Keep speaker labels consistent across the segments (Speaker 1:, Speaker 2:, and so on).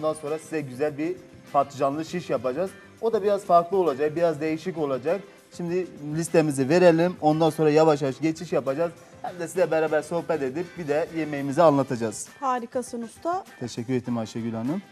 Speaker 1: ondan sonra size güzel bir patlıcanlı şiş yapacağız. O da biraz farklı olacak, biraz değişik olacak. Şimdi listemizi verelim. Ondan sonra yavaş yavaş geçiş yapacağız. Hem de size beraber sohbet edip bir de yemeğimizi anlatacağız.
Speaker 2: Harikasın usta.
Speaker 1: Teşekkür ederim Ayşegül Hanım.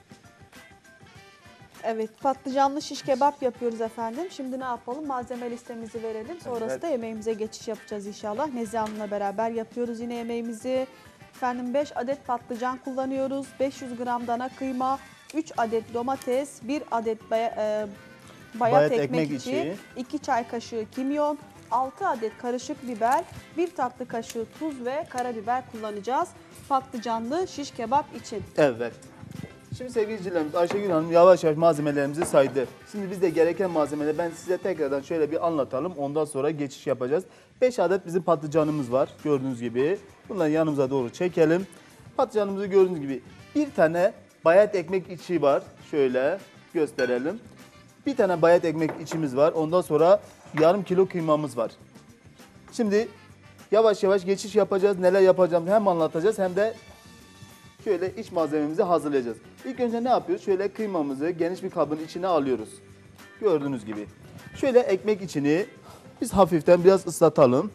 Speaker 2: Evet, patlıcanlı şiş kebap yapıyoruz efendim. Şimdi ne yapalım? Malzeme listemizi verelim. Sonrası
Speaker 1: Evet.
Speaker 2: da yemeğimize geçiş yapacağız inşallah. Nezihe Hanım'la beraber yapıyoruz yine yemeğimizi. Efendim 5 adet patlıcan kullanıyoruz. 500 gram dana kıyma, 3 adet domates, 1 adet bayat ekmek içi, 2 çay kaşığı kimyon, 6 adet karışık biber, 1 tatlı kaşığı tuz ve karabiber kullanacağız. Patlıcanlı şiş kebap için.
Speaker 1: Evet. Şimdi sevgili izleyicilerimiz Ayşegül Hanım yavaş yavaş malzemelerimizi saydı. Şimdi biz de gereken malzemeleri ben size tekrardan şöyle bir anlatalım. Ondan sonra geçiş yapacağız. 5 adet bizim patlıcanımız var gördüğünüz gibi. Bunları yanımıza doğru çekelim. Patlıcanımızı gördüğünüz gibi bir tane bayat ekmek içi var. Şöyle gösterelim. Bir tane bayat ekmek içimiz var. Ondan sonra yarım kilo kıymamız var. Şimdi yavaş yavaş geçiş yapacağız. Neler yapacağımızı hem anlatacağız hem de şöyle iç malzememizi hazırlayacağız. İlk önce ne yapıyoruz? Şöyle kıymamızı geniş bir kabın içine alıyoruz. Gördüğünüz gibi. Şöyle ekmek içini biz hafiften biraz ıslatalım.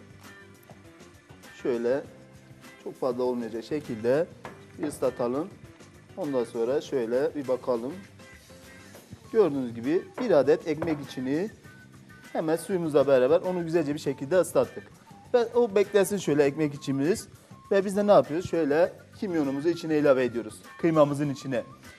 Speaker 1: Şöyle çok fazla olmayacak şekilde bir ıslatalım. Ondan sonra şöyle bir bakalım. Gördüğünüz gibi bir adet ekmek içini hemen suyumuzla beraber onu güzelce bir şekilde ıslattık. Ve o beklesin şöyle ekmek içimiz. Ve biz de ne yapıyoruz? Şöyle kimyonumuzu içine ilave ediyoruz. Kıymamızın içine.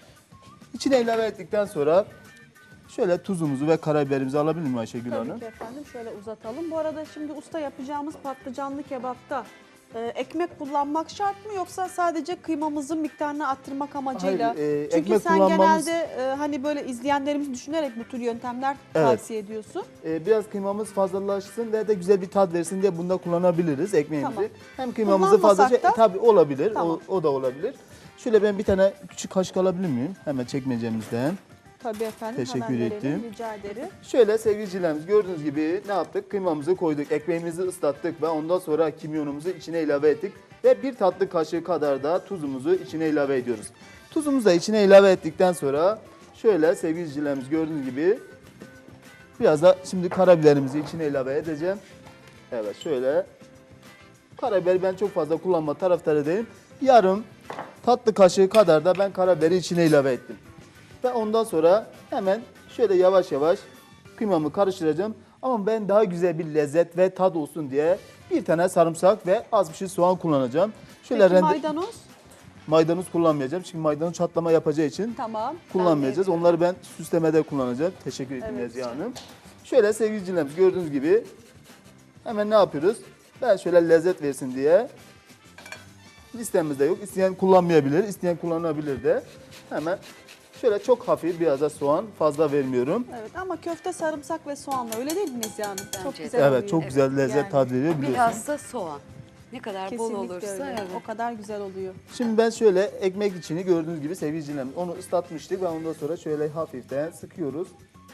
Speaker 1: İçine ilave ettikten sonra şöyle tuzumuzu ve karabiberimizi alabilir miyim Ayşegül
Speaker 2: Tabii
Speaker 1: Hanım?
Speaker 2: ki efendim. Şöyle uzatalım. Bu arada şimdi usta yapacağımız patlıcanlı kebapta ekmek kullanmak şart mı yoksa sadece kıymamızın miktarını arttırmak amacıyla?
Speaker 1: Hayır,
Speaker 2: Çünkü
Speaker 1: ekmek
Speaker 2: sen
Speaker 1: kullanmamız-
Speaker 2: genelde hani böyle izleyenlerimiz düşünerek bu tür yöntemler tavsiye ediyorsun.
Speaker 1: Biraz kıymamız fazlalaşsın ve de güzel bir tat versin diye bunda kullanabiliriz ekmeğimizi.
Speaker 2: Tamam.
Speaker 1: Hem kıymamızı
Speaker 2: Kullanmasak
Speaker 1: fazlaca
Speaker 2: da-
Speaker 1: tabii olabilir.
Speaker 2: Tamam.
Speaker 1: O da olabilir. Şöyle ben bir tane küçük kaşık alabilir miyim? Hemen çekmecemizden.
Speaker 2: Tabii efendim.
Speaker 1: Teşekkür
Speaker 2: hemen verelim,
Speaker 1: ettim.
Speaker 2: rica ederim.
Speaker 1: Şöyle sevgilicilerimiz gördüğünüz gibi ne yaptık? Kıymamızı koyduk, ekmeğimizi ıslattık ve ondan sonra kimyonumuzu içine ilave ettik. Ve bir tatlı kaşığı kadar da tuzumuzu içine ilave ediyoruz. Tuzumuzu da içine ilave ettikten sonra şöyle sevgilicilerimiz gördüğünüz gibi biraz da şimdi karabiberimizi içine ilave edeceğim. Evet şöyle. Karabiberi ben çok fazla kullanma taraftarı değilim. Yarım tatlı kaşığı kadar da ben karabiberi içine ilave ettim. Ve ondan sonra hemen şöyle yavaş yavaş kıymamı karıştıracağım. Ama ben daha güzel bir lezzet ve tat olsun diye bir tane sarımsak ve az bir şey soğan kullanacağım. Şöyle
Speaker 2: Peki maydanoz?
Speaker 1: maydanoz kullanmayacağım. Çünkü maydanoz çatlama yapacağı için
Speaker 2: Tamam.
Speaker 1: kullanmayacağız. Onları ben süslemede kullanacağım. Teşekkür ederim
Speaker 2: Evet.
Speaker 1: Nezihe Hanım. Şöyle sevgilicilerimiz gördüğünüz gibi hemen ne yapıyoruz? Ben şöyle lezzet versin diye listemizde yok. İsteyen kullanmayabilir, isteyen kullanabilir de. Hemen şöyle çok hafif biraz da soğan fazla vermiyorum.
Speaker 2: Evet ama köfte sarımsak ve soğanla öyle değil mi Nezihe Hanım? Çok
Speaker 3: Bence de.
Speaker 2: güzel
Speaker 1: Evet
Speaker 2: oluyor.
Speaker 1: çok güzel lezzet
Speaker 2: Yani.
Speaker 1: tadı veriyor biliyorsunuz.
Speaker 3: Biraz da soğan. Ne kadar bol
Speaker 2: Kesinlikle
Speaker 3: olursa
Speaker 2: öyle.
Speaker 3: evet.
Speaker 2: O kadar güzel oluyor.
Speaker 1: Şimdi ben şöyle ekmek içini gördüğünüz gibi sevgilicilerimiz onu ıslatmıştık ve ondan sonra şöyle hafiften sıkıyoruz.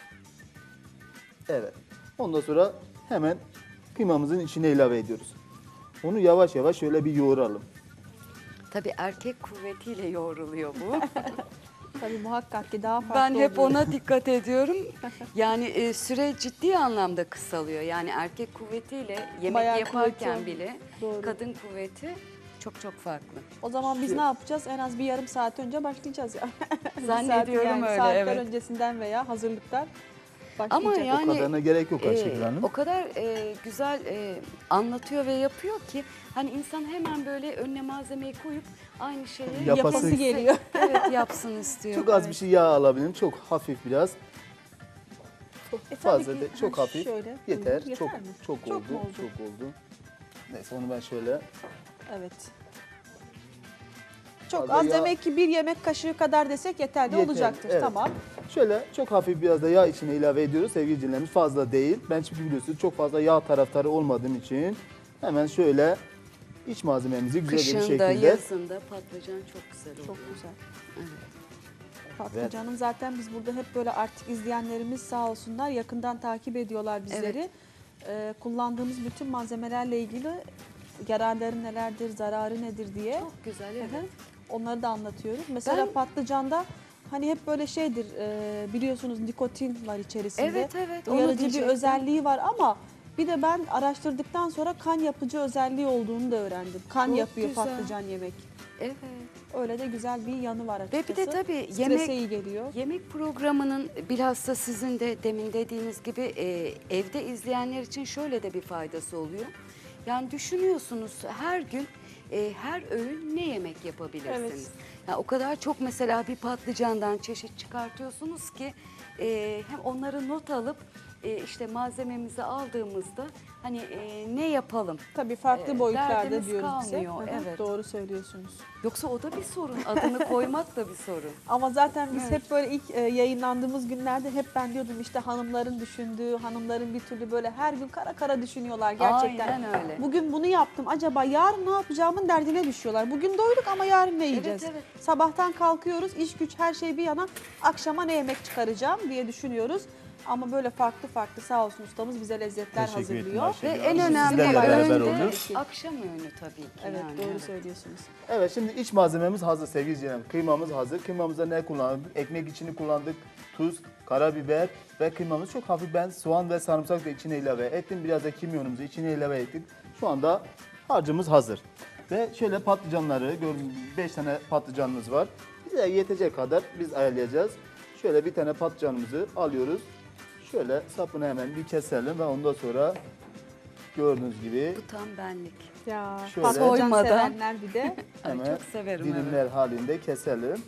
Speaker 1: Evet. Ondan sonra hemen kıymamızın içine ilave ediyoruz. Onu yavaş yavaş şöyle bir yoğuralım.
Speaker 3: Tabii erkek kuvvetiyle yoğruluyor bu.
Speaker 2: Tabii muhakkak ki daha farklı
Speaker 3: Ben hep
Speaker 2: oluyor.
Speaker 3: ona dikkat ediyorum. Yani süre ciddi anlamda kısalıyor. Yani erkek kuvvetiyle yemek
Speaker 2: Bayağı
Speaker 3: yaparken
Speaker 2: kuvveti.
Speaker 3: bile
Speaker 2: Doğru.
Speaker 3: kadın kuvveti çok çok farklı.
Speaker 2: O zaman biz ne yapacağız? En az bir yarım saat önce başlayacağız ya. Bir
Speaker 3: Zannediyorum
Speaker 2: saat yani
Speaker 3: öyle,
Speaker 2: saatler
Speaker 3: evet.
Speaker 2: öncesinden veya hazırlıktan
Speaker 3: Ama
Speaker 2: başlayacağız.
Speaker 3: yani
Speaker 1: O kadarına gerek yok Ayşegül Hanım.
Speaker 3: o kadar güzel anlatıyor ve yapıyor ki hani insan hemen böyle önüne malzemeyi koyup aynı şeyi
Speaker 1: Yapası
Speaker 2: geliyor.
Speaker 3: Evet yapsın istiyor.
Speaker 1: Çok az bir şey yağ alabilirim. Çok hafif biraz.
Speaker 2: Tabii
Speaker 1: Fazla
Speaker 2: ki.
Speaker 1: değil. Çok
Speaker 2: Ha,
Speaker 1: hafif.
Speaker 2: şöyle.
Speaker 1: Yeter.
Speaker 2: Yeter
Speaker 1: Çok
Speaker 2: mi?
Speaker 1: çok
Speaker 2: Çok
Speaker 1: oldu.
Speaker 2: mu oldu?
Speaker 1: Çok oldu. Neyse onu ben şöyle
Speaker 2: Evet. Çok
Speaker 1: Fazla
Speaker 2: az
Speaker 1: yağ-
Speaker 2: demek ki bir yemek kaşığı kadar desek yeterli
Speaker 1: Yeter,
Speaker 2: olacaktır.
Speaker 1: evet.
Speaker 2: Tamam.
Speaker 1: şöyle çok hafif biraz da yağ içine ilave ediyoruz sevgili dinleyicilerimiz. Fazla değil. Ben çünkü biliyorsunuz çok fazla yağ taraftarı olmadığım için hemen şöyle iç malzememizi güzel bir
Speaker 3: Kışın da
Speaker 1: şekilde
Speaker 3: yazın da patlıcan çok güzel oluyor.
Speaker 2: Çok güzel. Patlıcanın zaten biz burada hep böyle artık izleyenlerimiz sağ olsunlar yakından takip ediyorlar bizleri. Kullandığımız bütün malzemelerle ilgili yararları nelerdir, zararı nedir diye.
Speaker 3: Çok güzel evet.
Speaker 2: Onları da anlatıyoruz. Mesela
Speaker 3: Ben-
Speaker 2: patlıcanda hani hep böyle şeydir biliyorsunuz nikotin var içerisinde.
Speaker 3: Evet, evet, onu
Speaker 2: Uyarıcı bir
Speaker 3: diyecektim.
Speaker 2: özelliği var ama bir de ben araştırdıktan sonra kan yapıcı özelliği olduğunu da öğrendim. Kan
Speaker 3: Çok
Speaker 2: yapıyor
Speaker 3: güzel.
Speaker 2: patlıcan yemek.
Speaker 3: Evet.
Speaker 2: Öyle de güzel bir yanı var
Speaker 3: Ve
Speaker 2: açıkçası.
Speaker 3: bir de tabii
Speaker 2: Strese iyi geliyor.
Speaker 3: yemek programının bilhassa sizin de demin dediğiniz gibi evde izleyenler için şöyle de bir faydası oluyor. Yani düşünüyorsunuz her gün her öğün ne yemek yapabilirsiniz.
Speaker 2: Evet.
Speaker 3: Yani o kadar çok mesela bir patlıcandan çeşit çıkartıyorsunuz ki hem onları not alıp işte malzememizi aldığımızda hani ne yapalım?
Speaker 2: Tabii farklı boyutlarda
Speaker 3: derdimiz
Speaker 2: diyoruz bize.
Speaker 3: kalmıyor,
Speaker 2: Hı hı,
Speaker 3: evet.
Speaker 2: Doğru söylüyorsunuz.
Speaker 3: Yoksa o da bir sorun. Adını koymak da bir sorun.
Speaker 2: Ama zaten biz
Speaker 3: Evet.
Speaker 2: hep böyle ilk yayınlandığımız günlerde hep ben diyordum işte hanımların düşündüğü, hanımların bir türlü böyle her gün kara kara düşünüyorlar gerçekten.
Speaker 3: Aynen öyle.
Speaker 2: Bugün bunu yaptım. Acaba yarın ne yapacağımın derdine düşüyorlar. Bugün doyduk ama yarın ne yiyeceğiz?
Speaker 3: evet.
Speaker 2: Sabahtan kalkıyoruz, iş güç her şey bir yana. Akşama ne yemek çıkaracağım diye düşünüyoruz. Ama böyle farklı farklı sağ olsun ustamız bize lezzetler
Speaker 1: Teşekkür ederim
Speaker 2: hazırlıyor.
Speaker 1: Ayşegül
Speaker 3: Ve
Speaker 1: Hanım.
Speaker 3: en
Speaker 1: Biz
Speaker 3: önemli
Speaker 1: sizlerle beraber
Speaker 3: öğün de
Speaker 1: oluyoruz.
Speaker 3: akşam öğünü tabii ki.
Speaker 2: Evet
Speaker 3: yani,
Speaker 2: doğru
Speaker 3: evet.
Speaker 2: söylüyorsunuz.
Speaker 1: Evet, şimdi iç malzememiz hazır sevgili izleyicilerim. Kıymamız hazır. Kıymamızda ne kullandık? Ekmek içini kullandık. Tuz, karabiber ve kıymamız çok hafif. Ben soğan ve sarımsak da içine ilave ettim. Biraz da kimyonumuzu içine ilave ettik. Şu anda harcımız hazır. Ve şöyle patlıcanları, gördüğünüz gibi 5 tane patlıcanımız var. Bize yetecek kadar biz ayarlayacağız. Şöyle bir tane patlıcanımızı alıyoruz. Şöyle sapını hemen bir keselim ve ondan sonra gördüğünüz gibi
Speaker 3: Bu tam benlik.
Speaker 2: Ya
Speaker 1: Şöyle-
Speaker 2: patlıcan
Speaker 3: Soymadan.
Speaker 2: sevenler bir de.
Speaker 3: Ay,
Speaker 1: hemen
Speaker 3: çok severim,
Speaker 1: dilimler halinde keselim.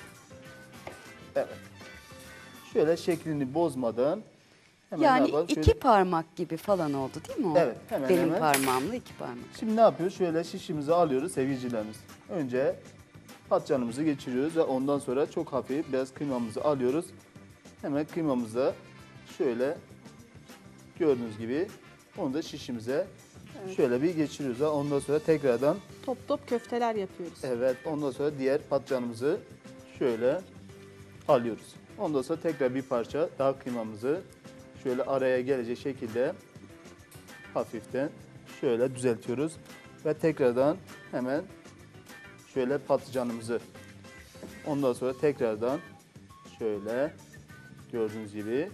Speaker 1: Evet. Şöyle şeklini bozmadan hemen ne
Speaker 3: Yani
Speaker 1: yapalım?
Speaker 3: iki
Speaker 1: Şöyle-
Speaker 3: parmak gibi falan oldu değil mi o?
Speaker 1: Evet, hemen
Speaker 3: Benim
Speaker 1: hemen.
Speaker 3: parmağımla iki parmak.
Speaker 1: Şimdi ne yapıyoruz? Şöyle şişimizi alıyoruz sevgilicilerimiz. Önce patlıcanımızı geçiriyoruz ve ondan sonra çok hafif biraz kıymamızı alıyoruz. Hemen kıymamızı şöyle gördüğünüz gibi onu da şişimize şöyle bir geçiriyoruz. Ve ondan sonra tekrardan
Speaker 2: Top top köfteler yapıyoruz.
Speaker 1: evet ondan sonra diğer patlıcanımızı şöyle alıyoruz. Ondan sonra tekrar bir parça daha kıymamızı şöyle araya gelecek şekilde hafiften şöyle düzeltiyoruz. Ve tekrardan hemen şöyle patlıcanımızı ondan sonra tekrardan şöyle gördüğünüz gibi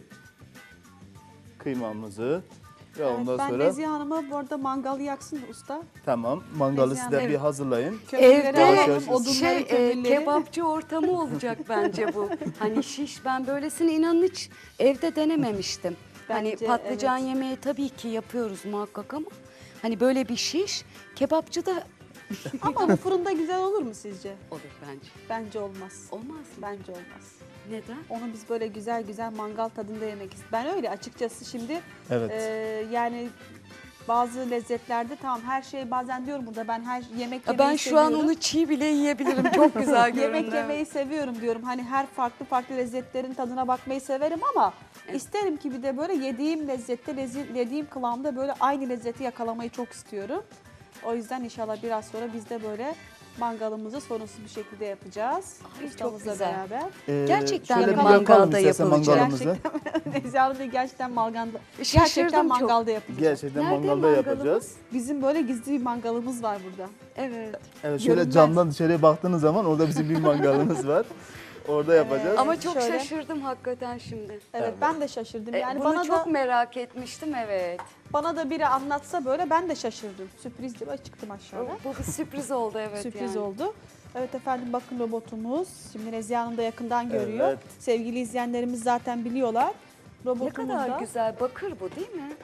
Speaker 1: kıymamızı ve
Speaker 2: Evet,
Speaker 1: ondan
Speaker 2: ben
Speaker 1: sonra
Speaker 2: Nezihe Hanım'a bu arada mangalı yaksın usta.
Speaker 1: tamam mangalı
Speaker 2: Nezihe
Speaker 1: size
Speaker 2: Hanım.
Speaker 1: bir hazırlayın.
Speaker 2: Kömürleri
Speaker 1: Yavaş
Speaker 2: alalım,
Speaker 1: yavaş-
Speaker 2: odunları, kömürleri.
Speaker 3: Kebapçı ortamı olacak bence bu. Hani şiş, ben böylesini inanın hiç evde denememiştim. Hani
Speaker 2: Bence
Speaker 3: patlıcan
Speaker 2: evet.
Speaker 3: yemeği tabii ki yapıyoruz muhakkak ama hani böyle bir şiş kebapçı da
Speaker 2: Ama bu fırında güzel olur mu sizce?
Speaker 3: olur bence.
Speaker 2: Bence olmaz.
Speaker 3: Olmaz mı?
Speaker 2: Bence olmaz.
Speaker 3: Neden?
Speaker 2: Onu biz böyle güzel güzel mangal tadında yemek istiyoruz. Ben öyle açıkçası şimdi
Speaker 1: Evet.
Speaker 2: yani bazı lezzetlerde tamam her şey bazen diyorum burada ben her yemek yemeyi
Speaker 3: Ben şu an
Speaker 2: seviyorum.
Speaker 3: onu çiğ bile yiyebilirim. Çok güzel görünüyor.
Speaker 2: Yemek yemeyi seviyorum diyorum. Hani her farklı farklı lezzetlerin tadına bakmayı severim ama isterim ki bir de böyle yediğim lezzette, yediğim kıvamda böyle aynı lezzeti yakalamayı çok istiyorum. O yüzden inşallah biraz sonra biz de böyle mangalımızı sorunsuz bir şekilde yapacağız.
Speaker 3: Ay, çok
Speaker 2: Ustamızla
Speaker 3: güzel.
Speaker 2: beraber.
Speaker 3: Gerçekten
Speaker 1: şöyle
Speaker 3: de
Speaker 1: bir yakalım
Speaker 3: mangalda
Speaker 1: istersen
Speaker 3: yapılacak.
Speaker 1: mangalımızı.
Speaker 2: Nezihe Hanım da gerçekten
Speaker 3: Şaşırdım
Speaker 2: gerçekten
Speaker 3: çok.
Speaker 2: mangalda yapacağız.
Speaker 1: Gerçekten
Speaker 3: Nerede
Speaker 1: mangalda
Speaker 3: mangalımız?
Speaker 1: yapacağız.
Speaker 2: Bizim böyle gizli bir mangalımız var burada.
Speaker 3: Evet.
Speaker 1: Evet şöyle
Speaker 2: Görünmez.
Speaker 1: camdan dışarıya baktığınız zaman orada bizim bir mangalımız var. Orada yapacağız.
Speaker 3: Ama çok
Speaker 2: şöyle.
Speaker 3: şaşırdım hakikaten şimdi.
Speaker 2: Evet, ben de şaşırdım. Yani
Speaker 3: Bunu
Speaker 2: bana
Speaker 3: çok
Speaker 2: da
Speaker 3: merak etmiştim, evet.
Speaker 2: bana da biri anlatsa böyle ben de şaşırdım. Sürpriz diye çıktım aşağıya.
Speaker 3: Bu bir sürpriz oldu, evet.
Speaker 2: Sürpriz
Speaker 3: yani.
Speaker 2: oldu. Evet efendim bakın robotumuz. Şimdi Nezihe Hanım da yakından görüyor.
Speaker 1: Evet.
Speaker 2: Sevgili izleyenlerimiz zaten biliyorlar.
Speaker 3: Ne
Speaker 2: Robotumuzda.
Speaker 3: kadar güzel, bakır bu değil mi?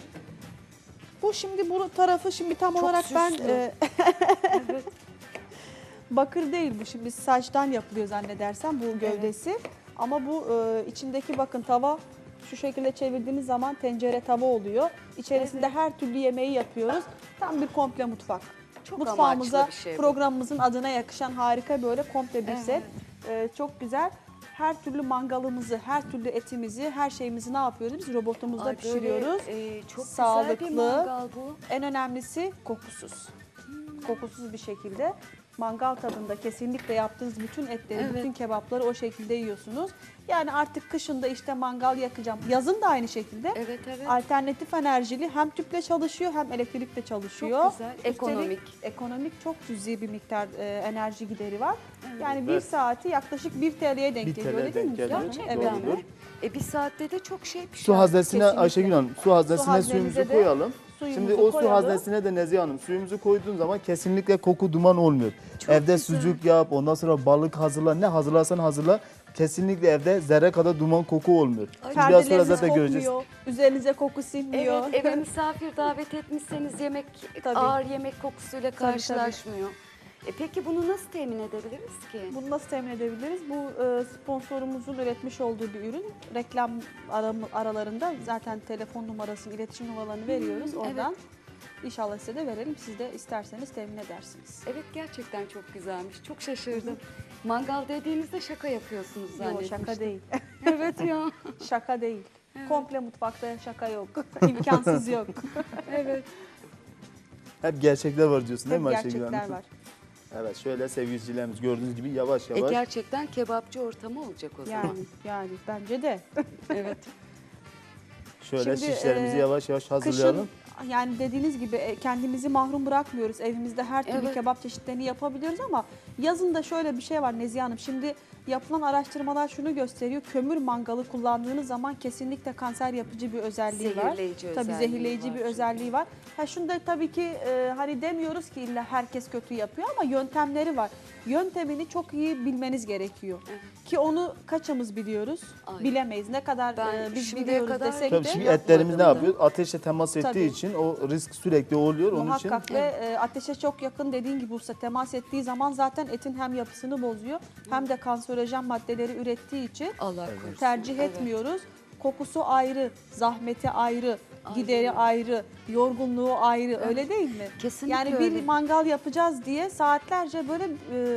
Speaker 2: Bu şimdi bu tarafı şimdi tam
Speaker 3: Çok
Speaker 2: olarak ben
Speaker 3: süslü. Evet.
Speaker 2: bakır değil bu şimdi saçtan yapılıyor zannedersem bu gövdesi. Ama bu içindeki bakın tava şu şekilde çevirdiğiniz zaman tencere tava oluyor. İçerisinde her türlü yemeği yapıyoruz. Tam bir komple mutfak.
Speaker 3: Çok
Speaker 2: Mutfağımıza,
Speaker 3: amaçlı bir şey bu.
Speaker 2: programımızın adına yakışan harika böyle komple bir
Speaker 3: Evet.
Speaker 2: set. Çok güzel. Her türlü mangalımızı, her türlü etimizi, her şeyimizi ne yapıyoruz? Biz robotumuzda
Speaker 3: Ay, böyle,
Speaker 2: pişiriyoruz.
Speaker 3: çok güzel
Speaker 2: Sağlıklı.
Speaker 3: bir mangal bu.
Speaker 2: En önemlisi kokusuz. Kokusuz bir şekilde. mangal tadında kesinlikle yaptığınız bütün etleri,
Speaker 3: Evet.
Speaker 2: bütün kebapları o şekilde yiyorsunuz. Yani artık kışında işte mangal yakacağım. Yazın da aynı şekilde.
Speaker 3: Evet, evet.
Speaker 2: Alternatif enerjili, hem tüple çalışıyor hem elektrikle çalışıyor.
Speaker 3: Çok güzel,
Speaker 2: Üstelik
Speaker 3: ekonomik.
Speaker 2: ekonomik, çok cüzi bir miktar enerji gideri var.
Speaker 3: Evet.
Speaker 2: Yani bir
Speaker 1: Evet.
Speaker 2: saati yaklaşık 1 TL'ye denk
Speaker 1: 1
Speaker 2: geliyor,
Speaker 1: TL
Speaker 2: öyle değil mi?
Speaker 1: denk geliyor.
Speaker 2: Müjgan?
Speaker 3: Gerçekten
Speaker 2: Evet.
Speaker 1: Doğrudur.
Speaker 3: mi? Bir saatte de çok şey pişiyor.
Speaker 1: Su haznesine
Speaker 2: Kesinlikle.
Speaker 1: Ayşegül Hanım, su haznesine
Speaker 2: haznemize
Speaker 1: suyumuzu
Speaker 2: de
Speaker 1: koyalım.
Speaker 2: suyumuzu
Speaker 1: Şimdi o su
Speaker 2: koyalım.
Speaker 1: haznesine de Nezihe Hanım suyumuzu koyduğun zaman kesinlikle koku duman olmuyor.
Speaker 3: Çok
Speaker 1: Evde
Speaker 3: güzel.
Speaker 1: sucuk yap, ondan sonra balık hazırla, ne hazırlarsan hazırla. Kesinlikle evde zerre kadar duman koku olmuyor.
Speaker 3: Ay,
Speaker 1: Şimdi biraz sonra
Speaker 2: Perdeleriniz
Speaker 1: zaten göreceğiz.
Speaker 2: kokmuyor, üzerinize koku sinmiyor.
Speaker 3: Evet, eve misafir davet etmişseniz yemek
Speaker 2: Tabii.
Speaker 3: ağır yemek kokusuyla
Speaker 2: Tabii,
Speaker 3: karşılaşmıyor. Peki bunu nasıl temin edebiliriz ki?
Speaker 2: Bunu nasıl temin edebiliriz? Bu sponsorumuzun üretmiş olduğu bir ürün. Reklam aralarında zaten telefon numarasını, iletişim numaralarını veriyoruz. Oradan İnşallah size de verelim. Siz de isterseniz temin edersiniz.
Speaker 3: Evet, gerçekten çok güzelmiş. Çok şaşırdım. Mangal dediğinizde şaka yapıyorsunuz
Speaker 2: Yok,
Speaker 3: zannetmiştim.
Speaker 2: şaka değil.
Speaker 3: Evet ya.
Speaker 2: Şaka değil. Komple mutfakta şaka yok. İmkansız yok.
Speaker 3: Evet.
Speaker 1: Hep gerçekler var diyorsun değil mi
Speaker 2: Tabii
Speaker 1: Ayşegül Hanım?
Speaker 2: gerçekler var.
Speaker 1: Evet, şöyle sevgilicilerimiz gördüğünüz gibi yavaş yavaş.
Speaker 3: Gerçekten kebapçı ortamı olacak o zaman.
Speaker 2: Yani bence de.
Speaker 3: Evet.
Speaker 1: Şöyle
Speaker 2: Şimdi,
Speaker 1: şişlerimizi yavaş yavaş hazırlayalım.
Speaker 2: Kışın yani dediğiniz gibi kendimizi mahrum bırakmıyoruz. Evimizde her türlü
Speaker 3: Evet.
Speaker 2: kebap çeşitlerini yapabiliyoruz ama yazın da şöyle bir şey var Nezihe Hanım. Şimdi yapılan araştırmalar şunu gösteriyor. Kömür mangalı kullandığınız zaman kesinlikle kanser yapıcı bir özelliği var.
Speaker 3: Zehirleyici
Speaker 2: Tabii
Speaker 3: özelliği
Speaker 2: zehirleyici
Speaker 3: var
Speaker 2: bir
Speaker 3: çünkü.
Speaker 2: özelliği var. Ha şunu da tabii ki hani demiyoruz ki illa herkes kötü yapıyor ama yöntemleri var. Yöntemini çok iyi bilmeniz gerekiyor.
Speaker 3: Evet.
Speaker 2: Ki onu kaçımız biliyoruz?
Speaker 3: Aynen.
Speaker 2: Bilemeyiz. Ne kadar
Speaker 3: Ben
Speaker 2: biz
Speaker 3: şimdiye
Speaker 2: biliyoruz
Speaker 3: kadar-
Speaker 2: desek
Speaker 1: Tabii
Speaker 2: de
Speaker 1: şimdi
Speaker 3: Yapmadım
Speaker 1: etlerimiz ne
Speaker 3: da.
Speaker 1: yapıyor? Ateşle temas ettiği
Speaker 2: Tabii.
Speaker 1: için o risk sürekli oluyor. Onun için
Speaker 2: muhakkak ve ateşe çok yakın dediğin gibi usta temas ettiği zaman zaten etin hem yapısını bozuyor hem de kanserojen maddeleri ürettiği için
Speaker 3: Allah korusun.
Speaker 2: tercih
Speaker 3: Evet.
Speaker 2: etmiyoruz. Kokusu ayrı, zahmeti ayrı,
Speaker 3: Aynen.
Speaker 2: gideri ayrı, yorgunluğu ayrı öyle değil mi?
Speaker 3: Kesinlikle
Speaker 2: Yani
Speaker 3: öyle.
Speaker 2: bir mangal yapacağız diye saatlerce böyle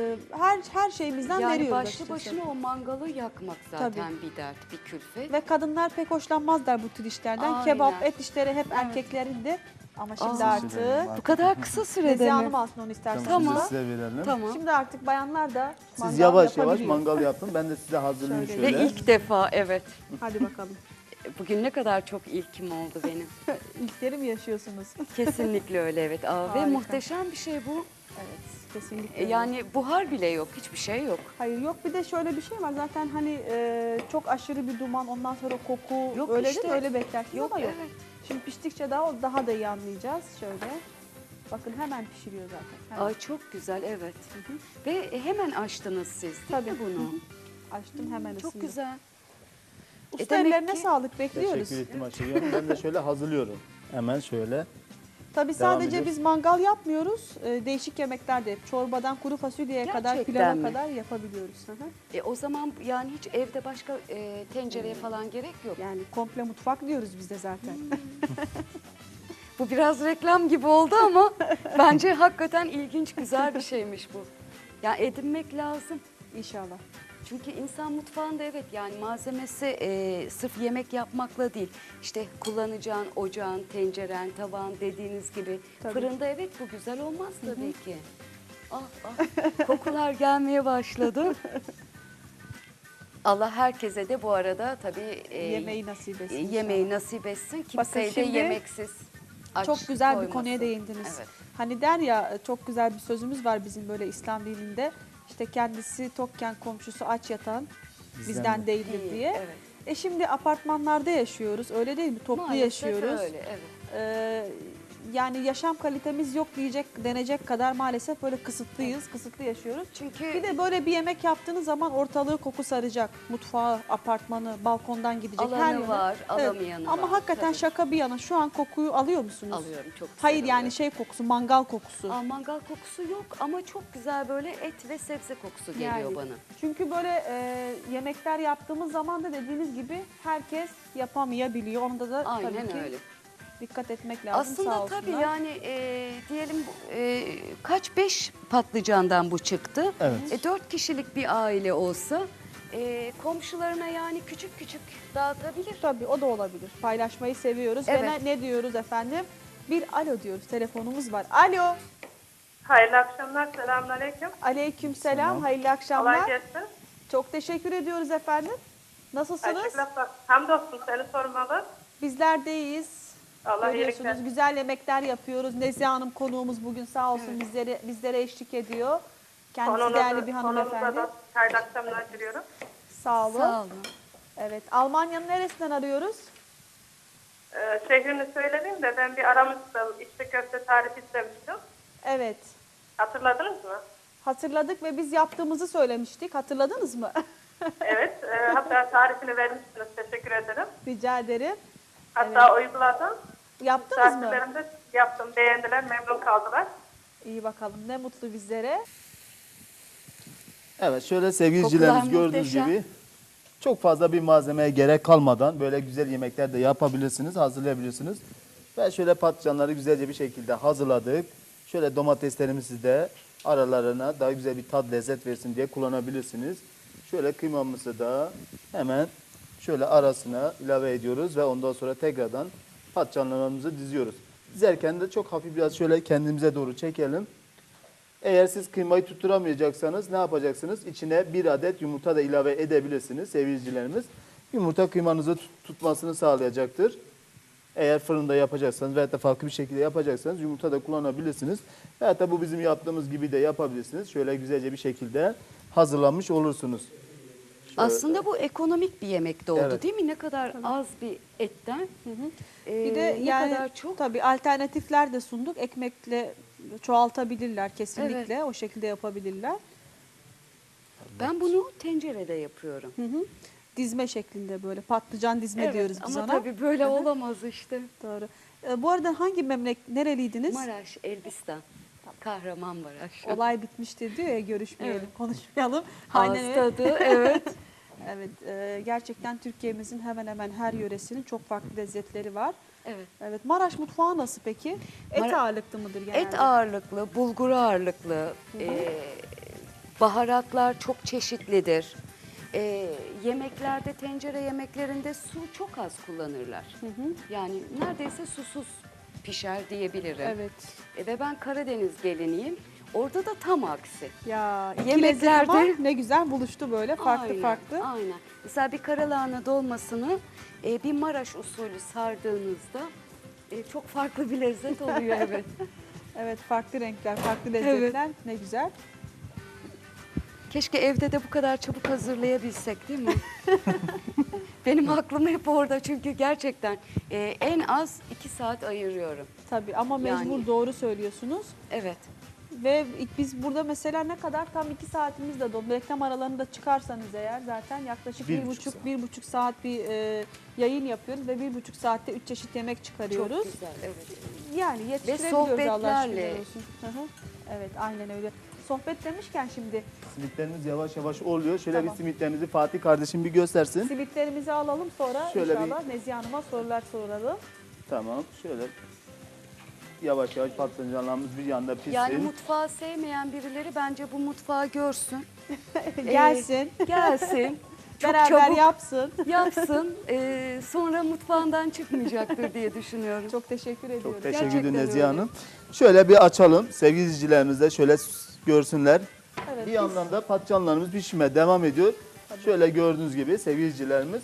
Speaker 2: her şeyimizden
Speaker 3: Yani
Speaker 2: veriyoruz
Speaker 3: başlı
Speaker 2: açıkçası.
Speaker 3: başına o mangalı yakmak zaten bir dert, bir külfet.
Speaker 2: Ve kadınlar pek hoşlanmazlar bu tür işlerden.
Speaker 3: Aynen.
Speaker 2: Kebap, et işleri hep
Speaker 3: Evet.
Speaker 2: erkeklerinde. Ama şimdi
Speaker 3: Aa.
Speaker 2: artık
Speaker 3: Bu kadar kısa sürede
Speaker 2: Nezihe
Speaker 3: mi?
Speaker 2: Hanım alsın onu isterseniz.
Speaker 3: Tamam.
Speaker 1: Şimdi size verelim.
Speaker 3: Tamam.
Speaker 2: Şimdi artık bayanlar da
Speaker 1: Siz
Speaker 2: mangal
Speaker 1: yavaş yavaş
Speaker 2: yapabiliyor.
Speaker 1: mangal yapın. Ben de size hazırlayayım
Speaker 2: Şöyle.
Speaker 1: şöyle.
Speaker 3: Ve ilk defa evet.
Speaker 2: Hadi bakalım.
Speaker 3: Bugün ne kadar çok ilkim oldu benim.
Speaker 2: İlkleri mi yaşıyorsunuz?
Speaker 3: Kesinlikle öyle evet. Ve
Speaker 2: Harika.
Speaker 3: muhteşem bir şey bu.
Speaker 2: Evet, kesinlikle. öyle.
Speaker 3: Yani buhar bile yok, hiçbir şey yok.
Speaker 2: Hayır yok, bir de şöyle bir şey var zaten hani çok aşırı bir duman, ondan sonra koku
Speaker 3: Yok
Speaker 2: öyle
Speaker 3: işte.
Speaker 2: değil mi? Öyle beklersiniz ama yok.
Speaker 3: Evet.
Speaker 2: Şimdi piştikçe daha da iyi anlayacağız şöyle. Bakın hemen pişiriyor zaten. Hemen.
Speaker 3: Ay çok güzel evet. Ve hemen açtınız siz değil
Speaker 2: Tabii.
Speaker 3: mi bunu?
Speaker 2: Açtım hemen
Speaker 3: Çok
Speaker 2: ısındı.
Speaker 3: güzel.
Speaker 2: Usta
Speaker 3: demek
Speaker 2: ellerine
Speaker 3: ki-
Speaker 2: sağlık, bekliyoruz.
Speaker 1: Teşekkür ettim Ayşegül Hanım. Ben de şöyle hazırlıyorum. Hemen şöyle.
Speaker 2: Tabii
Speaker 1: Devam
Speaker 2: sadece
Speaker 1: ediyoruz.
Speaker 2: biz mangal yapmıyoruz. Değişik yemekler de çorbadan kuru fasulyeye kadar,
Speaker 3: Gerçekten
Speaker 2: pilava
Speaker 3: mi?
Speaker 2: kadar yapabiliyoruz. Hı hı.
Speaker 3: O zaman yani hiç evde başka tencereye falan gerek yok.
Speaker 2: Yani komple mutfak diyoruz biz de zaten.
Speaker 3: Bu biraz reklam gibi oldu ama bence hakikaten ilginç, güzel bir şeymiş bu. Ya edinmek lazım.
Speaker 2: İnşallah.
Speaker 3: Çünkü insan mutfağında evet yani malzemesi sırf yemek yapmakla değil. İşte kullanacağın ocağın, tenceren, tabağın dediğiniz gibi.
Speaker 2: Tabii.
Speaker 3: Fırında evet bu güzel olmaz tabii ki. Ah ah kokular gelmeye başladı. Allah herkese de bu arada tabii
Speaker 2: Yemeği nasip etsin.
Speaker 3: yemeği nasip etsin. Kimseyi de
Speaker 2: şimdi
Speaker 3: yemeksiz aç
Speaker 2: Çok güzel bir
Speaker 3: koymasın.
Speaker 2: konuya değindiniz.
Speaker 3: Evet.
Speaker 2: Hani der ya, çok güzel bir sözümüz var bizim böyle İslam dininde. İşte kendisi tokken komşusu aç yatan bizden değildir
Speaker 3: Değil,
Speaker 2: diye.
Speaker 3: evet.
Speaker 2: Şimdi apartmanlarda yaşıyoruz, öyle değil mi? Toplu
Speaker 3: Maalesef
Speaker 2: yaşıyoruz.
Speaker 3: öyle evet.
Speaker 2: Yani yaşam kalitemiz yok denecek kadar maalesef böyle kısıtlıyız, kısıtlı yaşıyoruz.
Speaker 3: Çünkü
Speaker 2: Bir de böyle bir yemek yaptığınız zaman ortalığı koku saracak. Mutfağı, apartmanı, balkondan gidecek her
Speaker 3: alanı
Speaker 2: yöne.
Speaker 3: var,
Speaker 2: Evet.
Speaker 3: alamayanı var.
Speaker 2: Ama hakikaten
Speaker 3: Tabii.
Speaker 2: şaka bir yana şu an kokuyu alıyor musunuz?
Speaker 3: Alıyorum çok güzel.
Speaker 2: Hayır yani
Speaker 3: oluyor.
Speaker 2: şey kokusu, mangal kokusu.
Speaker 3: Mangal kokusu yok ama çok güzel böyle et ve sebze kokusu geliyor
Speaker 2: Yani.
Speaker 3: bana.
Speaker 2: Çünkü böyle yemekler yaptığımız zaman da dediğiniz gibi herkes yapamayabiliyor. Onda da tabii
Speaker 3: Aynen
Speaker 2: ki
Speaker 3: öyle.
Speaker 2: dikkat etmek lazım. Sağ
Speaker 3: Aslında
Speaker 2: olsunlar.
Speaker 3: tabii yani diyelim kaç 5 patlıcandan bu çıktı.
Speaker 1: Evet.
Speaker 3: 4 kişilik bir aile olsa komşularına yani küçük küçük dağıtabilir.
Speaker 2: Tabii o da olabilir. Paylaşmayı seviyoruz. Ve
Speaker 3: Evet.
Speaker 2: ne diyoruz efendim? Bir alo diyoruz. Telefonumuz var. Alo.
Speaker 4: Hayırlı akşamlar, selamünaleyküm.
Speaker 2: Aleykümselam,
Speaker 1: Selam.
Speaker 2: hayırlı
Speaker 4: Kolay
Speaker 2: akşamlar.
Speaker 4: gelsin.
Speaker 2: Çok teşekkür ediyoruz efendim. Nasılsınız?
Speaker 4: Teşekkürler. Hamdolsun seni sormalı.
Speaker 2: Bizler de iyiyiz.
Speaker 4: Allah iyilik
Speaker 2: Görüyorsunuz
Speaker 4: versin.
Speaker 2: güzel yemekler yapıyoruz. Nezihe Hanım konuğumuz bugün sağ olsun bizlere eşlik ediyor. Kendisi değerli bir
Speaker 4: Konunuza
Speaker 2: hanımefendi.
Speaker 4: da hayırlı akşamlar diliyorum.
Speaker 2: Sağ olun.
Speaker 3: Sağ olun.
Speaker 2: Evet, Almanya'nın neresinden arıyoruz?
Speaker 4: Şehrini söyleyeyim de ben bir aramıştım. İçli köfte tarifi istemiştim.
Speaker 2: Evet.
Speaker 4: Hatırladınız mı?
Speaker 2: Hatırladık ve biz yaptığımızı söylemiştik. Hatırladınız mı?
Speaker 4: Evet. Hatta tarifini vermişsiniz. Teşekkür ederim.
Speaker 2: Rica ederim.
Speaker 4: Hatta uyguladım.
Speaker 2: Yaptınız mı?
Speaker 4: Takiplerimi de yaptım. Beğendiler, memnun kaldılar.
Speaker 2: İyi bakalım. Ne mutlu bizlere.
Speaker 1: Evet şöyle sevgili izleyicilerimiz
Speaker 3: Kokular
Speaker 1: gördüğünüz
Speaker 3: muhteşem.
Speaker 1: gibi çok fazla bir malzemeye gerek kalmadan böyle güzel yemekler de yapabilirsiniz, hazırlayabilirsiniz. Ve şöyle patlıcanları güzelce bir şekilde hazırladık. Şöyle domateslerimizi de aralarına daha güzel bir tat lezzet versin diye kullanabilirsiniz. Şöyle kıymamızı da hemen şöyle arasına ilave ediyoruz ve ondan sonra tekrardan patlıcanlarımızı diziyoruz. Dizerken de çok hafif biraz şöyle kendimize doğru çekelim. Eğer siz kıymayı tutturamayacaksanız ne yapacaksınız? İçine bir adet yumurta da ilave edebilirsiniz sevgili izleyicilerimiz. Yumurta kıymanızı tutmasını sağlayacaktır. Eğer fırında yapacaksanız veyahut da farklı bir şekilde yapacaksanız yumurta da kullanabilirsiniz. Veyahut da bu bizim yaptığımız gibi de yapabilirsiniz. Şöyle güzelce bir şekilde hazırlanmış olursunuz. Şöyle.
Speaker 3: Aslında bu ekonomik bir yemek de oldu
Speaker 1: Evet.
Speaker 3: değil mi? Ne kadar az bir etten
Speaker 2: Bir de
Speaker 3: ne
Speaker 2: yani
Speaker 3: kadar çok.
Speaker 2: tabii alternatifler de sunduk. Ekmekle çoğaltabilirler kesinlikle.
Speaker 3: Evet.
Speaker 2: O şekilde yapabilirler.
Speaker 3: Ben bunu tencerede yapıyorum.
Speaker 2: Dizme şeklinde böyle patlıcan dizme diyoruz biz
Speaker 3: ama
Speaker 2: ona.
Speaker 3: tabii böyle olamaz işte.
Speaker 2: Doğru. Bu arada hangi nereliydiniz?
Speaker 3: Maraş, Elbistan, Kahramanmaraş.
Speaker 2: Olay bitmiştir diyor ya, görüşmeyelim,
Speaker 3: Evet.
Speaker 2: konuşmayalım.
Speaker 3: Ağız
Speaker 2: öyle.
Speaker 3: tadı, evet.
Speaker 2: Evet, gerçekten Türkiye'mizin hemen hemen her yöresinin çok farklı lezzetleri var.
Speaker 3: Evet.
Speaker 2: Evet, Maraş mutfağı nasıl peki? Et
Speaker 3: Mara-
Speaker 2: ağırlıklı mıdır genelde?
Speaker 3: Et ağırlıklı, bulgur ağırlıklı, baharatlar çok çeşitlidir. Yemeklerde, tencere yemeklerinde su çok az kullanırlar. Yani neredeyse susuz pişer diyebilirim.
Speaker 2: Evet.
Speaker 3: Ve ben Karadeniz geliniyim. Orada da tam aksi.
Speaker 2: Ya iki lezzet ama
Speaker 3: Yemeklerde
Speaker 2: ne güzel buluştu böyle farklı
Speaker 3: aynen,
Speaker 2: farklı.
Speaker 3: Aynen. Mesela bir karalahana dolmasını bir Maraş usulü sardığınızda çok farklı bir lezzet oluyor evet.
Speaker 2: Evet, farklı renkler, farklı lezzetler ne güzel.
Speaker 3: Keşke evde de bu kadar çabuk hazırlayabilsek değil mi? Benim aklım hep orada çünkü gerçekten en az 2 saat ayırıyorum.
Speaker 2: Tabii ama mecbur,
Speaker 3: Yani.
Speaker 2: doğru söylüyorsunuz.
Speaker 3: Evet.
Speaker 2: Ve biz burada mesela ne kadar tam 2 saatimiz de dolu. Reklam aralarını da çıkarsanız eğer zaten yaklaşık
Speaker 1: Bir
Speaker 2: bir
Speaker 1: buçuk saat.
Speaker 2: bir buçuk saat bir yayın yapıyoruz ve 1,5 saatte 3 çeşit yemek çıkarıyoruz.
Speaker 3: Çok güzel. Evet.
Speaker 2: Yani yetiştirebiliyoruz Allah şükürler
Speaker 3: sohbetlerle.
Speaker 2: olsun. Hı hı. Evet, aynen öyle. Sohbet demişken şimdi
Speaker 1: Simitlerimiz yavaş yavaş oluyor. Şöyle
Speaker 2: Tamam.
Speaker 1: bir simitlerimizi Fatih kardeşim bir göstersin.
Speaker 2: simitlerimizi alalım, sonra
Speaker 1: Şöyle
Speaker 2: inşallah Nezihe Hanım'a sorular soralım.
Speaker 1: Tamam şöyle yavaş yavaş patlıcanlarımız bir yanda pişsin.
Speaker 3: Yani mutfağı sevmeyen birileri bence bu mutfağı görsün.
Speaker 2: Gelsin,
Speaker 3: Gelsin. Çok
Speaker 2: beraber
Speaker 3: çabuk
Speaker 2: yapsın.
Speaker 3: yapsın. Sonra mutfağından çıkmayacaktır diye düşünüyorum.
Speaker 2: Çok teşekkür ediyoruz.
Speaker 1: Çok teşekkür
Speaker 2: Gerçekten
Speaker 1: ederim Nezihe
Speaker 2: öyle.
Speaker 1: Hanım. Şöyle bir açalım. Sevgili izleyicilerimiz de şöyle görsünler.
Speaker 2: Evet,
Speaker 1: Bir
Speaker 2: biz-
Speaker 1: yandan da patlıcanlarımız pişmeye devam ediyor. Şöyle gördüğünüz gibi sevgili izleyicilerimiz.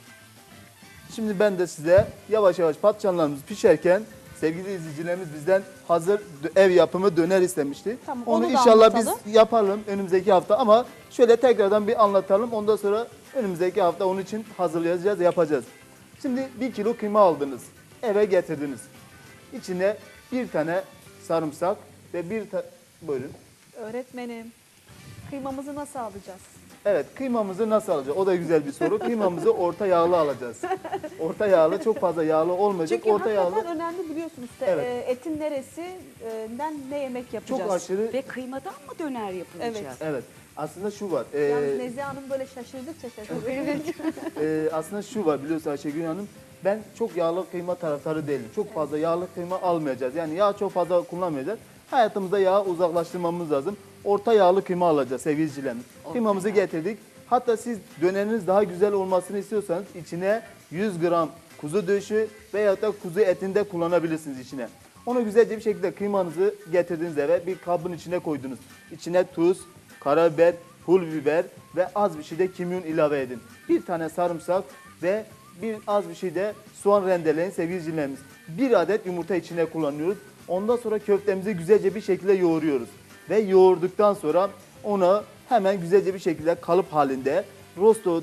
Speaker 1: Şimdi ben de size yavaş yavaş patlıcanlarımız pişerken sevgili izleyicilerimiz bizden hazır ev yapımı döner istemişti.
Speaker 2: Tamam,
Speaker 1: onu
Speaker 2: onu da
Speaker 1: inşallah biz
Speaker 2: anlatalım.
Speaker 1: yapalım önümüzdeki hafta ama şöyle tekrardan bir anlatalım. Ondan sonra önümüzdeki hafta onun için hazırlayacağız, yapacağız. Şimdi 1 kilo kıyma aldınız, eve getirdiniz. İçine bir tane sarımsak ve buyurun.
Speaker 2: Öğretmenim, kıymamızı nasıl alacağız?
Speaker 1: Evet, kıymamızı nasıl alacağız? O da güzel bir soru. Kıymamızı orta yağlı alacağız. Orta yağlı, çok fazla yağlı olmayacak.
Speaker 2: Çünkü
Speaker 1: Orta yağlı.
Speaker 2: hakikaten önemli, biliyorsunuz.
Speaker 1: Evet.
Speaker 2: Etin neresinden ne yemek yapacağız?
Speaker 1: Çok aşırı.
Speaker 3: Ve kıymadan mı döner yapılacak?
Speaker 1: Evet. Aslında şu var.
Speaker 2: Yalnız Nezihe Hanım böyle şaşırdıkça şaşırdı.
Speaker 1: Aslında şu var biliyorsun Ayşegül Hanım. Ben çok yağlı kıyma taraftarı değilim. Çok fazla yağlı kıyma almayacağız. Yani yağ çok fazla kullanmayacağız. Hayatımızda yağı uzaklaştırmamız lazım. Orta yağlı kıyma alacağız sevgili izleyicilerimiz. Kıymamızı getirdik. Hatta siz döneriniz daha güzel olmasını istiyorsanız içine 100 gram kuzu döşü veyahut da kuzu etinde kullanabilirsiniz içine. Onu güzelce bir şekilde kıymanızı getirdiğiniz eve bir kabın içine koydunuz. İçine tuz, karabiber, pul biber ve az bir şey de kimyon ilave edin. Bir tane sarımsak ve az bir şey de soğan rendeleyin sevgili izleyicilerimiz. Bir adet yumurta içine kullanıyoruz. Ondan sonra köftemizi güzelce bir şekilde yoğuruyoruz. Ve yoğurduktan sonra onu hemen güzelce bir şekilde kalıp halinde rosto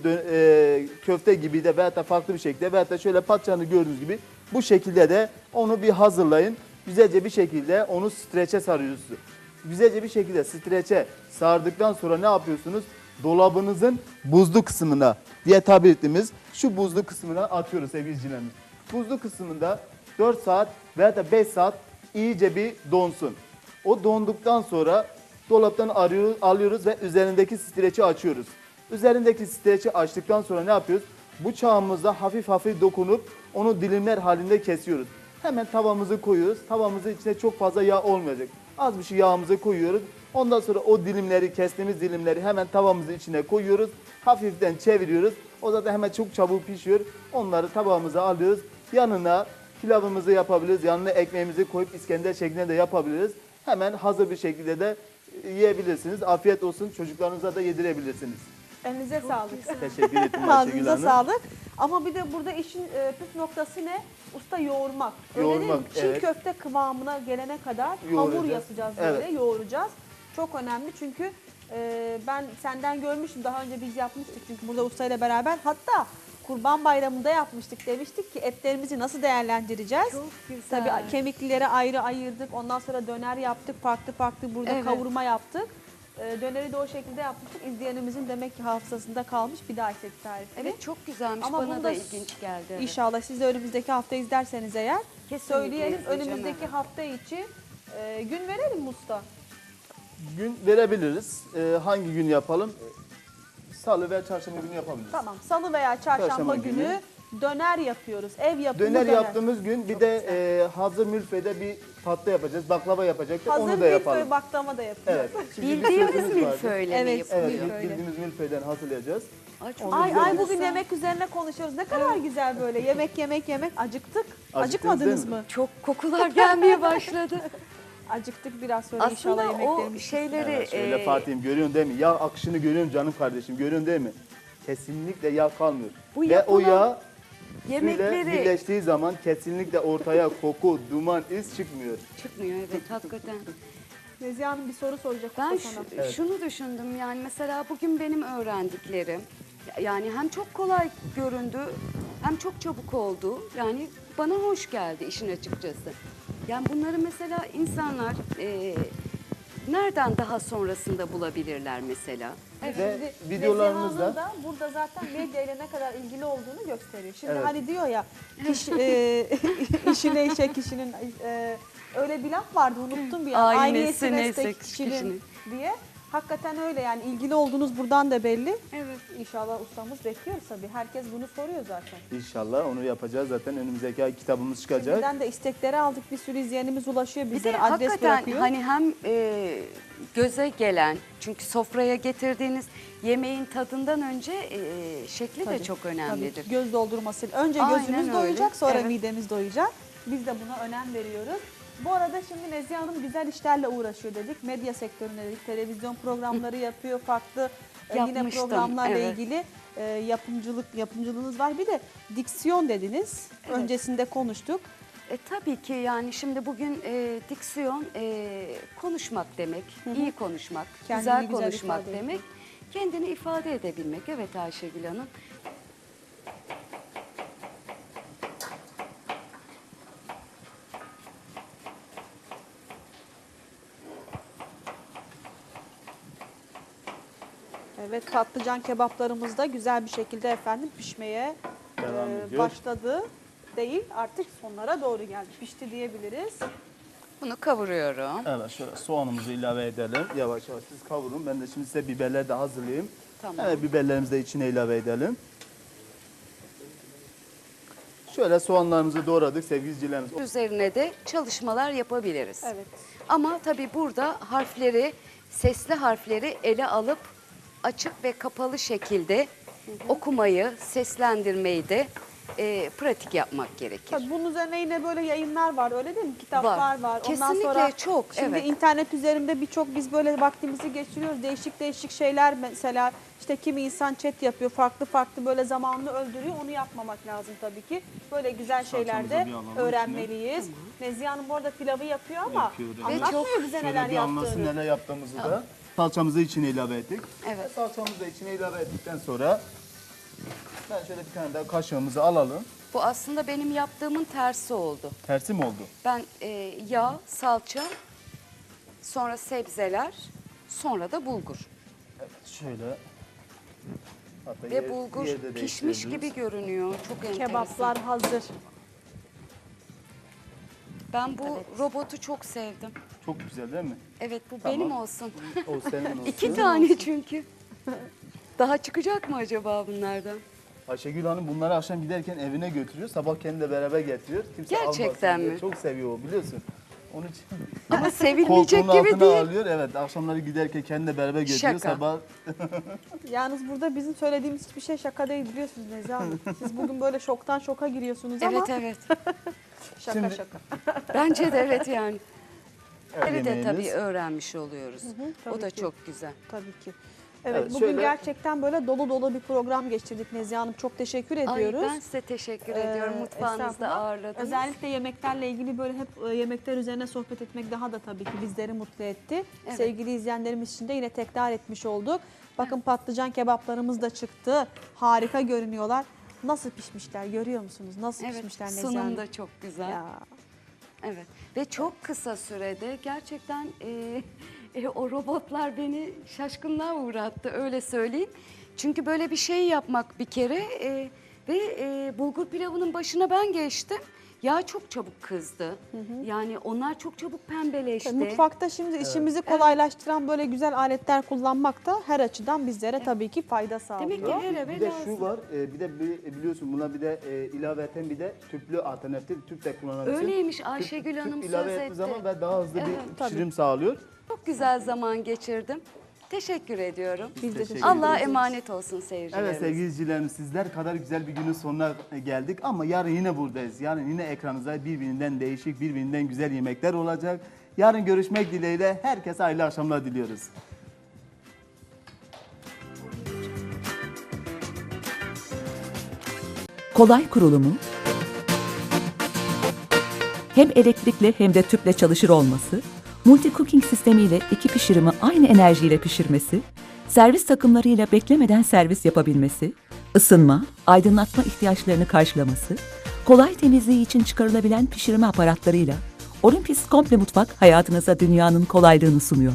Speaker 1: köfte gibi de veyahut da farklı bir şekilde veyahut da şöyle patlıcanı gördüğünüz gibi bu şekilde de onu bir hazırlayın. Güzelce bir şekilde onu streçe sarıyorsunuz. Güzelce bir şekilde streçe sardıktan sonra ne yapıyorsunuz? Dolabınızın buzlu kısmına diye tabir ettiğimiz şu buzlu kısmına atıyoruz sevgili izleyicilerimiz. Buzlu kısmında 4 saat veya da 5 saat iyice bir donsun. O donduktan sonra dolaptan alıyoruz ve üzerindeki streçi açıyoruz. Üzerindeki streçi açtıktan sonra ne yapıyoruz? Bıçağımızla hafif hafif dokunup onu dilimler halinde kesiyoruz. Hemen tavamızı koyuyoruz. Tavamızın içine çok fazla yağ olmayacak. Az bir şey yağımızı koyuyoruz. Ondan sonra o dilimleri, kestiğimiz dilimleri hemen tavamızın içine koyuyoruz. Hafiften çeviriyoruz. O zaten hemen çok çabuk pişiyor. Onları tabağımıza alıyoruz. Yanına pilavımızı yapabiliriz. Yanına ekmeğimizi koyup İskender şeklinde de yapabiliriz. Hemen hazır bir şekilde de yiyebilirsiniz. Afiyet olsun. Çocuklarınıza da yedirebilirsiniz.
Speaker 2: Elinize sağlık.
Speaker 1: Teşekkür ederim Ayşegül
Speaker 2: Ağzınıza
Speaker 1: Hanım.
Speaker 2: sağlık. Ama bir de burada işin püf noktası ne? Usta yoğurmak. Öyle değil mi?
Speaker 1: Yoğurmak,
Speaker 2: Çiğ
Speaker 1: evet.
Speaker 2: köfte kıvamına gelene kadar hamur
Speaker 1: Yoğuracağız.
Speaker 2: yapacağız böyle,
Speaker 1: Evet.
Speaker 2: yoğuracağız. Çok önemli çünkü ben senden görmüştüm. Daha önce biz yapmıştık çünkü burada ustayla beraber. Hatta Kurban Bayramı'nda yapmıştık. Demiştik ki etlerimizi nasıl değerlendireceğiz?
Speaker 3: Çok güzel.
Speaker 2: Tabii kemiklileri ayrı ayırdık. Ondan sonra döner yaptık. Farklı farklı burada
Speaker 3: Evet.
Speaker 2: kavurma yaptık. Döneri de o şekilde yapmıştık. İzleyenimizin demek ki hafızasında kalmış bir daha istedi tarifini.
Speaker 3: Evet, çok güzelmiş.
Speaker 2: Ama
Speaker 3: Bana
Speaker 2: bunu
Speaker 3: da
Speaker 2: da
Speaker 3: ilginç geldi. Evet.
Speaker 2: İnşallah siz de önümüzdeki hafta izlerseniz eğer
Speaker 3: Kesinlikle
Speaker 2: söyleyelim.
Speaker 3: izleyeceğim,
Speaker 2: Önümüzdeki
Speaker 3: evet.
Speaker 2: hafta içi gün verelim mi usta?
Speaker 1: Gün verebiliriz. Hangi gün yapalım? Salı veya çarşamba günü yapabiliriz.
Speaker 2: Tamam. Salı veya çarşamba
Speaker 1: Çarşamba
Speaker 2: günü,
Speaker 1: günü
Speaker 2: döner yapıyoruz. Ev yapımı
Speaker 1: Döner
Speaker 2: döner.
Speaker 1: yaptığımız gün bir de hazır mülfede bir tatlı yapacağız. Baklava yapacaktık.
Speaker 2: Hazır
Speaker 1: Onu da
Speaker 2: milföy
Speaker 1: yapalım.
Speaker 2: baklava da yapıyoruz.
Speaker 1: Evet. Şimdi bir
Speaker 3: Bildiğimiz
Speaker 1: sözümüz vardı.
Speaker 3: milföyle
Speaker 2: Evet,
Speaker 3: mi yapılıyor?
Speaker 1: Evet,
Speaker 2: Milföyle.
Speaker 1: bildiğimiz milföyden hazırlayacağız.
Speaker 3: Ay, çok
Speaker 2: Ay
Speaker 3: güzel.
Speaker 2: ay bugün yemek üzerine konuşuyoruz. Ne kadar güzel böyle yemek. Acıktık. Acıkmadınız
Speaker 1: değil mi?
Speaker 2: mı?
Speaker 3: Çok kokular gelmeye başladı.
Speaker 2: Acıktık biraz sonra inşallah
Speaker 3: Aslında o
Speaker 2: yemeklerimiz.
Speaker 3: şeyleri
Speaker 1: Evet, şöyle Fatih'im görüyorsun değil mi? Yağ akışını görüyorum canım kardeşim. Görüyorsun değil mi? Kesinlikle yağ kalmıyor.
Speaker 3: Bu
Speaker 1: Ve o
Speaker 3: yapılan
Speaker 1: yağ suyla
Speaker 3: yemekleri
Speaker 1: birleştiği zaman kesinlikle ortaya koku, duman, iz çıkmıyor.
Speaker 3: çıkmıyor, evet, hakikaten.
Speaker 2: Nezihe Hanım bir soru soracak
Speaker 3: Ben
Speaker 2: usta sana.
Speaker 3: şunu düşündüm, yani mesela bugün benim öğrendiklerim yani hem çok kolay göründü hem çok çabuk oldu. Yani bana hoş geldi işin açıkçası. Yani bunları mesela insanlar nereden daha sonrasında bulabilirler mesela?
Speaker 2: Evet,
Speaker 1: Ve
Speaker 2: şimdi
Speaker 1: videolarımızda-
Speaker 2: Nezihe Hanım da burada zaten medya ile ne kadar ilgili olduğunu gösteriyor. Şimdi
Speaker 1: Evet.
Speaker 2: hani diyor ya işine işe kişinin öyle bir laf vardı unuttum bir an.
Speaker 3: Aynesi
Speaker 2: Aynesi
Speaker 3: neyse
Speaker 2: meslek kişinin
Speaker 3: kişinin.
Speaker 2: diye. Hakikaten öyle yani ilgili olduğunuz buradan da belli.
Speaker 3: Evet.
Speaker 2: İnşallah ustamız bekliyoruz tabii. Herkes bunu soruyor zaten.
Speaker 1: İnşallah onu yapacağız zaten. Önümüzdeki ay kitabımız çıkacak.
Speaker 2: Şimdiden de istekleri aldık. Bir sürü izleyenimiz ulaşıyor
Speaker 3: Bir de
Speaker 2: bizlere. Adres
Speaker 3: hakikaten
Speaker 2: bırakıyor.
Speaker 3: hani hem göze gelen, çünkü sofraya getirdiğiniz yemeğin tadından önce şekli
Speaker 2: Tabii,
Speaker 3: de çok
Speaker 2: tabii.
Speaker 3: önemlidir.
Speaker 2: Göz doldurması. Önce
Speaker 3: Aynen
Speaker 2: gözümüz
Speaker 3: öyle.
Speaker 2: doyacak, sonra
Speaker 3: Evet.
Speaker 2: midemiz doyacak. Biz de buna önem veriyoruz. Bu arada şimdi Nezihe Hanım güzel işlerle uğraşıyor dedik. Medya sektöründe dedik. Televizyon programları yapıyor. Farklı yine
Speaker 3: Yapmıştım,
Speaker 2: programlarla
Speaker 3: evet.
Speaker 2: ilgili yapımcılığınız var. Bir de diksiyon dediniz.
Speaker 3: Evet.
Speaker 2: Öncesinde konuştuk.
Speaker 3: Tabii ki yani şimdi bugün diksiyon konuşmak demek, iyi konuşmak,
Speaker 2: Kendini
Speaker 3: güzel
Speaker 2: güzel
Speaker 3: konuşmak
Speaker 2: ifade
Speaker 3: demek, kendini ifade edebilmek. Evet Ayşegül Hanım.
Speaker 2: Evet, patlıcan kebaplarımız da güzel bir şekilde efendim pişmeye
Speaker 1: Devam ediyor.
Speaker 2: başladı. Değil, artık sonlara doğru geldi. Pişti diyebiliriz.
Speaker 3: Bunu kavuruyorum.
Speaker 1: Evet şöyle soğanımızı ilave edelim. Yavaş yavaş siz kavurun. Ben de şimdi size biberleri de hazırlayayım.
Speaker 3: Tamam.
Speaker 1: Evet biberlerimizi de içine ilave edelim. Şöyle soğanlarımızı doğradık sevgili izleyicilerimiz.
Speaker 3: Üzerine de çalışmalar yapabiliriz.
Speaker 2: Evet.
Speaker 3: Ama tabii burada harfleri, sesli harfleri ele alıp açık ve kapalı şekilde okumayı, seslendirmeyi de pratik yapmak gerekir.
Speaker 2: Tabii bunun üzerine yine böyle yayınlar var öyle değil mi? Kitaplar
Speaker 3: Var.
Speaker 2: var. Ondan
Speaker 3: Kesinlikle
Speaker 2: sonra
Speaker 3: çok,
Speaker 2: Şimdi
Speaker 3: evet.
Speaker 2: internet üzerinde birçok biz böyle vaktimizi geçiriyoruz. Değişik değişik şeyler mesela işte kimi insan chat yapıyor. Farklı farklı böyle zamanını öldürüyor. Onu yapmamak lazım tabii ki. Böyle güzel şeyler de
Speaker 1: Salçamızı bir alalım
Speaker 2: öğrenmeliyiz. Nezihe Hanım bu arada pilavı yapıyor ama
Speaker 1: Yapıyor, evet.
Speaker 2: anlatmıyor
Speaker 3: Ve çok-
Speaker 2: bize
Speaker 1: Şöyle
Speaker 2: neler
Speaker 1: bir anlasın
Speaker 2: yaptığını.
Speaker 1: neler yaptığımızı da. Salçamızı içine ilave ettik.
Speaker 3: Evet.
Speaker 1: Salçamızı da içine ilave ettikten sonra ben şöyle bir tane daha kaşığımızı alalım.
Speaker 3: Bu aslında benim yaptığımın tersi oldu.
Speaker 1: Tersi mi oldu?
Speaker 3: Ben yağ, salça, sonra sebzeler, sonra da bulgur.
Speaker 1: Evet şöyle. Hatta
Speaker 3: Ve bulgur
Speaker 1: yerde
Speaker 3: pişmiş
Speaker 1: değiştirebiliriz.
Speaker 3: gibi görünüyor. Çok enteresan.
Speaker 2: Kebaplar hazır.
Speaker 3: Ben bu robotu çok sevdim.
Speaker 1: Çok güzel değil mi?
Speaker 3: Evet bu
Speaker 1: Tamam.
Speaker 3: benim olsun.
Speaker 1: O senin olsun.
Speaker 3: 2 tane çünkü. Daha çıkacak mı acaba bunlardan?
Speaker 1: Ayşegül Hanım bunları akşam giderken evine götürüyor. Sabah kendiyle beraber getiriyor. Kimse
Speaker 3: Gerçekten
Speaker 1: almasın diye.
Speaker 3: mi?
Speaker 1: Çok seviyor o biliyorsun. Onun için
Speaker 3: Ama sevilmeyecek
Speaker 1: koltuğun
Speaker 3: gibi
Speaker 1: altına
Speaker 3: değil.
Speaker 1: alıyor. Evet akşamları giderken kendiyle beraber götürüyor.
Speaker 3: Şaka.
Speaker 1: Sabah
Speaker 2: Yalnız burada bizim söylediğimiz hiçbir şey şaka değil biliyorsunuz Nezihe Hanım. Siz bugün böyle şoktan şoka giriyorsunuz ama
Speaker 3: Evet evet.
Speaker 2: şaka
Speaker 1: Şimdi-
Speaker 2: şaka.
Speaker 3: Bence de evet yani. Bunları da
Speaker 1: yemeğimiz.
Speaker 3: tabii öğrenmiş oluyoruz.
Speaker 2: tabii
Speaker 3: O da
Speaker 2: ki.
Speaker 3: çok güzel.
Speaker 2: Tabii ki. Evet,
Speaker 1: Evet,
Speaker 2: bugün
Speaker 1: şöyle-
Speaker 2: gerçekten böyle dolu dolu bir program geçirdik Nezihe Hanım. Çok teşekkür ediyoruz.
Speaker 3: Ay ben size teşekkür ediyorum. Mutfağınızda
Speaker 2: Estağfurullah.
Speaker 3: ağırladınız.
Speaker 2: Özellikle yemeklerle ilgili böyle hep yemekler üzerine sohbet etmek daha da tabii ki bizleri mutlu etti.
Speaker 3: Evet.
Speaker 2: Sevgili izleyenlerimiz için de yine tekrar etmiş olduk. Bakın patlıcan kebaplarımız da çıktı. Harika görünüyorlar. Nasıl pişmişler görüyor musunuz? Nasıl
Speaker 3: Evet
Speaker 2: pişmişler Nezihe Hanım?
Speaker 3: sunum da çok güzel.
Speaker 2: Ya.
Speaker 3: Evet ve çok kısa sürede gerçekten o robotlar beni şaşkınlığa uğrattı öyle söyleyeyim. Çünkü böyle bir şey yapmak bir kere ve bulgur pilavının başına ben geçtim. Yağ çok çabuk kızdı. Yani onlar çok çabuk pembeleşti.
Speaker 2: Mutfakta şimdi işimizi kolaylaştıran böyle güzel aletler kullanmak da her açıdan bizlere tabii ki fayda sağlıyor.
Speaker 3: Demek ki her eve
Speaker 1: bir de
Speaker 3: lazım.
Speaker 1: şu var, bir de biliyorsun buna bir de ilaveten bir de tüplü alternatif tüp de kullanabilirsin.
Speaker 3: Öyleymiş, Ayşegül Hanım
Speaker 1: tüp ilave
Speaker 3: söz
Speaker 1: ettiği
Speaker 3: etti.
Speaker 1: zaman ve daha hızlı
Speaker 3: Evet,
Speaker 1: bir pişirim sağlıyor.
Speaker 3: Çok güzel zaman geçirdim. Teşekkür ediyorum.
Speaker 2: Biz de teşekkür
Speaker 3: Allah'a
Speaker 2: ederiz.
Speaker 3: emanet olsun seyircilerimiz.
Speaker 1: Evet sevgili izleyicilerimiz sizler kadar güzel bir günün sonuna geldik ama yarın yine buradayız. Yarın yine ekranınızda birbirinden değişik, birbirinden güzel yemekler olacak. Yarın görüşmek dileğiyle herkese hayırlı akşamlar diliyoruz.
Speaker 5: Kolay kurulumu, hem elektrikli hem de tüple çalışır olması, multi cooking sistemiyle iki pişirimi aynı enerjiyle pişirmesi, servis takımlarıyla beklemeden servis yapabilmesi, ısınma, aydınlatma ihtiyaçlarını karşılaması, kolay temizliği için çıkarılabilen pişirme aparatlarıyla Olympus Komple Mutfak hayatınıza dünyanın kolaylığını sunuyor.